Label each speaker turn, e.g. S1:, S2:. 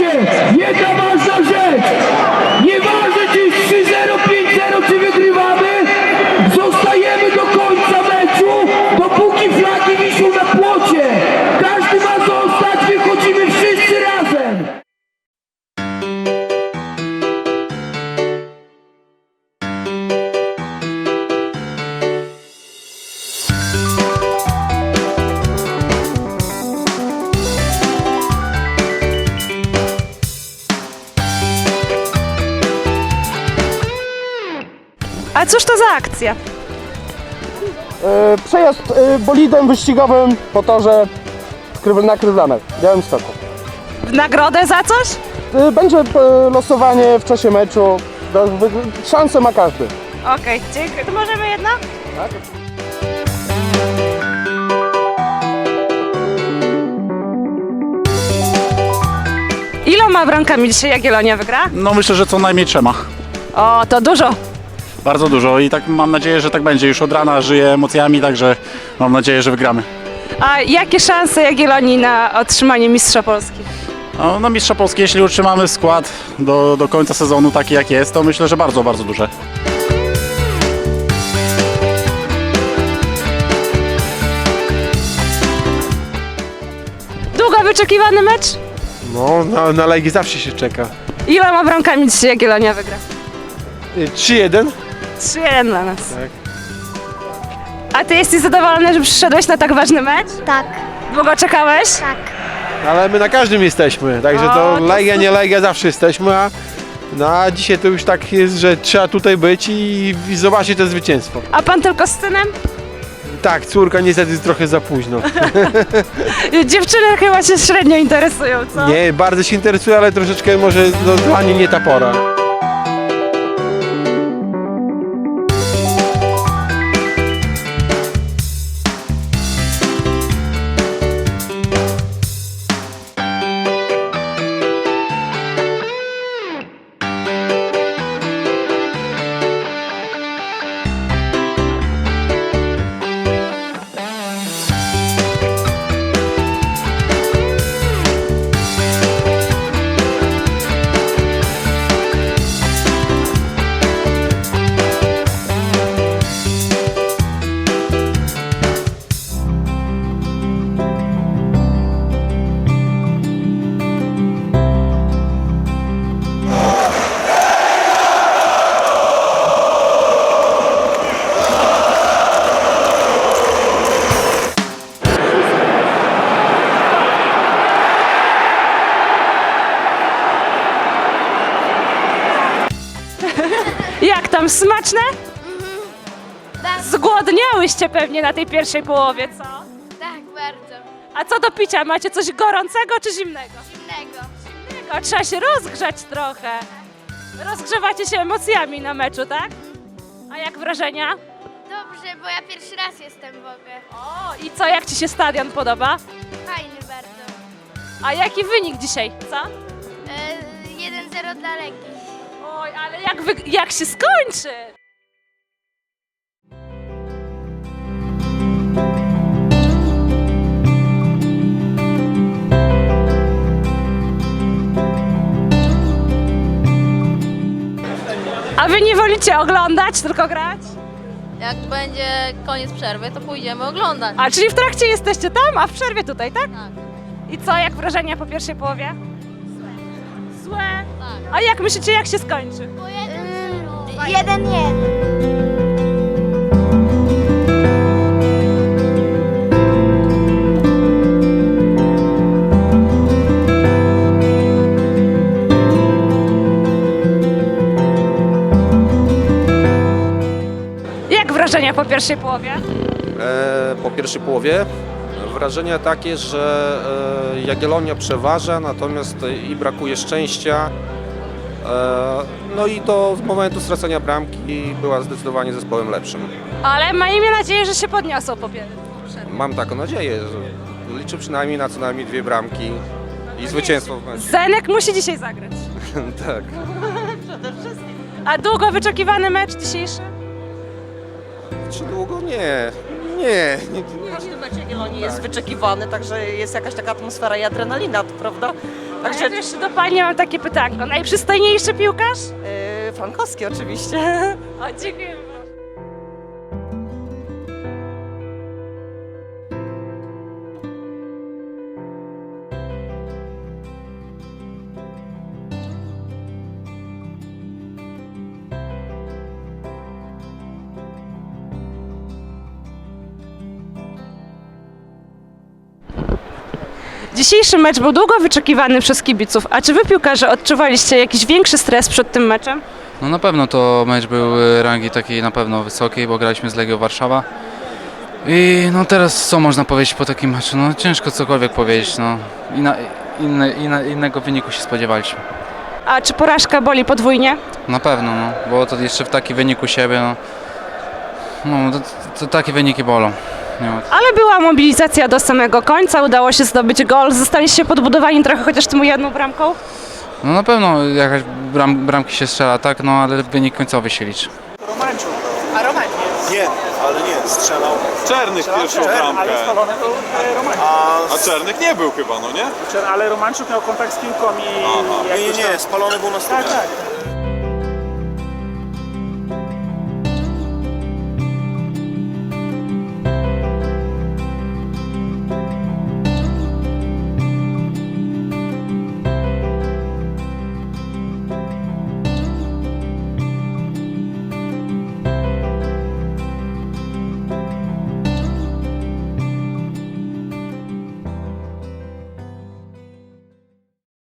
S1: Słuchajcie, jedna ważna rzecz. Nieważne czy jest 3-0, 5-0, czy wygrywamy, zostajemy do końca meczu, dopóki flagi wiszą na płocie. Każdy ma zostać, wychodzimy wszyscy razem.
S2: A cóż to za akcja?
S3: Przejazd bolidem wyścigowym po torze na Krywlanek, w Białymstoku.
S2: W nagrodę za coś?
S3: Będzie losowanie w czasie meczu. Szansę ma każdy.
S2: Okej, dziękuję. To możemy jedno?
S3: Tak?
S2: Iloma bramkami dzisiaj Jagiellonia wygra?
S4: No myślę, że co najmniej 3.
S2: O, to dużo.
S4: Bardzo dużo i tak mam nadzieję, że tak będzie. Już od rana żyję emocjami, także mam nadzieję, że wygramy.
S2: A jakie szanse Jagiellonii na otrzymanie Mistrza Polski?
S4: No, na Mistrza Polski, jeśli utrzymamy skład do końca sezonu taki jak jest, to myślę, że bardzo, bardzo duże.
S2: Długo wyczekiwany mecz?
S5: No, na Legię zawsze się czeka.
S2: Iloma bramkami dzisiaj Jagiellonia wygra?
S5: 3-1?
S2: 3-1 dla nas.
S5: Tak.
S2: A ty jesteś zadowolony, że przyszedłeś na tak ważny mecz?
S6: Tak,
S2: Długo czekałeś?
S6: tak.
S5: Ale my na każdym jesteśmy, także
S2: O,
S5: to
S2: to
S5: Legia, nie
S2: super.
S5: Legia, zawsze jesteśmy, a dzisiaj to już tak jest, że trzeba tutaj być i zobaczyć to zwycięstwo.
S2: A pan tylko z synem?
S5: Tak, córka niestety trochę za późno.
S2: Dziewczyny chyba się średnio interesują, co?
S5: Nie, bardzo się interesuje, ale troszeczkę może no, dla niej nie ta pora.
S2: Jak tam, smaczne? Zgłodniałyście pewnie na tej pierwszej połowie, co?
S6: Tak, bardzo.
S2: A co do picia, macie coś gorącego czy zimnego?
S6: Innego.
S2: Zimnego, trzeba się rozgrzać trochę. Rozgrzewacie się emocjami na meczu, tak? A jak wrażenia?
S6: Dobrze, bo ja pierwszy raz jestem w ogóle.
S2: O, i co, jak ci się stadion podoba?
S6: Fajny bardzo.
S2: A jaki wynik dzisiaj, co?
S6: 1-0 dla Legii.
S2: Oj, ale jak się skończy? A wy nie wolicie oglądać, tylko grać?
S7: Jak będzie koniec przerwy, to pójdziemy oglądać.
S2: A, czyli w trakcie jesteście tam, a w przerwie tutaj, tak?
S7: Tak.
S2: I co, jak wrażenia po pierwszej połowie? Złe.
S7: Tak.
S2: A jak myślicie, jak się skończy?
S6: 1-1.
S2: Jak wrażenia po pierwszej połowie?
S8: Po pierwszej połowie wrażenie takie, że Jagiellonia przeważa, natomiast i brakuje szczęścia. No i do momentu stracenia bramki była zdecydowanie zespołem lepszym.
S2: Ale miejmy nadzieję, że się podniosą po pierwsze.
S8: Mam taką nadzieję, że liczę przynajmniej na co najmniej 2 bramki i zwycięstwo w meczu.
S2: Zenek musi dzisiaj zagrać.
S8: Tak.
S2: A długo wyczekiwany mecz dzisiejszy?
S8: Czy długo? Nie. Nie.
S9: Każdy mecz Jagiellonii jest wyczekiwany, także jest jakaś taka atmosfera i adrenalina, prawda?
S2: Także jeszcze do Pani mam takie pytanko. Najprzystojniejszy piłkarz?
S9: Fankowski oczywiście.
S2: O, dziękuję. Dzisiejszy mecz był długo wyczekiwany przez kibiców. A czy wy, piłkarze, odczuwaliście jakiś większy stres przed tym meczem?
S10: No na pewno to mecz był rangi takiej na pewno wysokiej, bo graliśmy z Legią Warszawa. I no teraz co można powiedzieć po takim meczu? No ciężko cokolwiek powiedzieć, no. Innego wyniku się spodziewaliśmy.
S2: A czy porażka boli podwójnie?
S10: Na pewno, no, bo to jeszcze w taki wyniku siebie, to takie wyniki bolą. Nie ma.
S2: Ale była mobilizacja do samego końca, udało się zdobyć gol. Zostaliście podbudowani trochę chociaż tą jedną bramką?
S10: No na pewno jakaś bramki się strzela, tak, no ale wynik końcowy się liczy.
S11: Nie, ale nie, strzelał.
S12: Czernych pierwszą bramkę.
S11: Ale spalony był Romańczuk.
S12: A Czernych nie był chyba, no nie?
S11: Ale Romańczuk miał kontakt z piłką i...
S12: Aha.
S11: Nie, spalony był na stówę. Tak.